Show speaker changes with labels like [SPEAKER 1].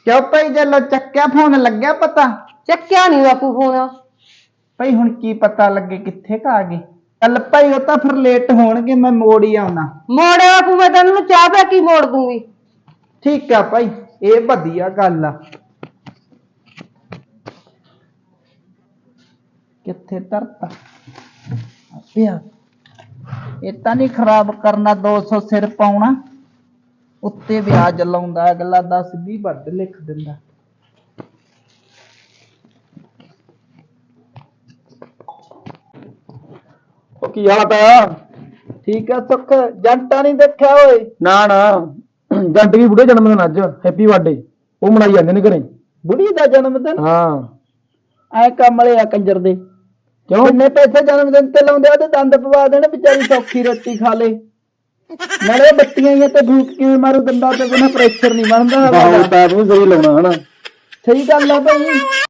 [SPEAKER 1] ਕਿਉਂ ਭਾਈ ਜਦੋਂ ਚੱਕਿਆ ਫੋਨ ਲੱਗਿਆ ਪਤਾ?
[SPEAKER 2] ਚੱਕਿਆ ਨਹੀਂ ਬਾਪੂ ਫੋਨ।
[SPEAKER 1] ਭਾਈ ਹੁਣ ਕੀ ਪਤਾ ਲੱਗੇ ਕਿੱਥੇ ਕ ਆ ਗਏ? ਚੱਲ ਭਾਈ ਉਹ ਤਾਂ ਫਿਰ ਲੇਟ ਹੋਣਗੇ, ਮੈਂ ਮੋੜ ਹੀ ਆਉਣਾ।
[SPEAKER 2] ਮੋੜਿਆ ਬਾਪੂ, ਮੈਂ ਤੈਨੂੰ ਚਾਹ ਪਿਆ ਕੀ ਮੋੜ ਦੂੰਗੀ।
[SPEAKER 1] ਠੀਕ ਆ ਭਾਈ, ਇਹ ਵਧੀਆ ਗੱਲ ਆ। ਕਿੱਥੇ ਧਰਤਾ ਪਿਆ? ਇਹ ਤਾਂ ਨਹੀਂ ਖਰਾਬ ਕਰਨਾ, 200 ਸਿਰ ਪਾਉਣਾ ਉੱਤੇ ਵਿਆਜ ਲਾਉਂਦਾ ਅਗਲਾ, 10-20 ਵੱਧ ਲਿਖ ਦਿੰਦਾ।
[SPEAKER 3] ਉਹ ਕੀ ਹਾਲ ਆ?
[SPEAKER 1] ਠੀਕ ਆ ਸੁੱਖ, ਜੰਟਾ ਨਹੀਂ ਦੇਖਿਆ ਓਏ?
[SPEAKER 3] ਨਾ ਨਾ, ਜੰਟ ਕੀ ਬੁੱਢੇ ਜਨਮ ਦਿਨ ਅੱਜ, ਹੈਪੀ ਬਰਥਡੇ ਉਹ ਮਨਾਈ ਜਾਂਦੇ ਨੇ ਘਰੇ।
[SPEAKER 1] ਬੁੜੀ ਦਾ ਜਨਮ ਦਿਨ?
[SPEAKER 3] ਹਾਂ।
[SPEAKER 1] ਐ ਕਮਲੇ ਆ ਕੰਜਰ ਦੇ।
[SPEAKER 3] ਕਿਉਂ?
[SPEAKER 1] ਕਿੰਨੇ ਪੈਸੇ ਜਨਮ ਦਿਨ ਤੇ ਲਾਉਂਦੇ ਆ, ਤੇ ਦੰਦ ਪਵਾ ਦੇਣ, ਵਿਚਾਰੀ ਸੌਖੀ ਰੋਟੀ ਖਾ ਲੇ। ਨਾਲੇ ਬੱਤੀਆਂ ਹੀ ਤੇ ਫੂਕ ਕਿਵੇਂ ਮਾਰੂ, ਦੰਦਾਂ ਤੇ ਬਿਨਾਂ ਪ੍ਰੈਸ਼ਰ ਨਹੀਂ ਬਣਦਾ।
[SPEAKER 3] ਸਹੀ ਲਾਉਣਾ ਹਨਾ।
[SPEAKER 1] ਸਹੀ ਗੱਲ ਆ ਭਾਈ।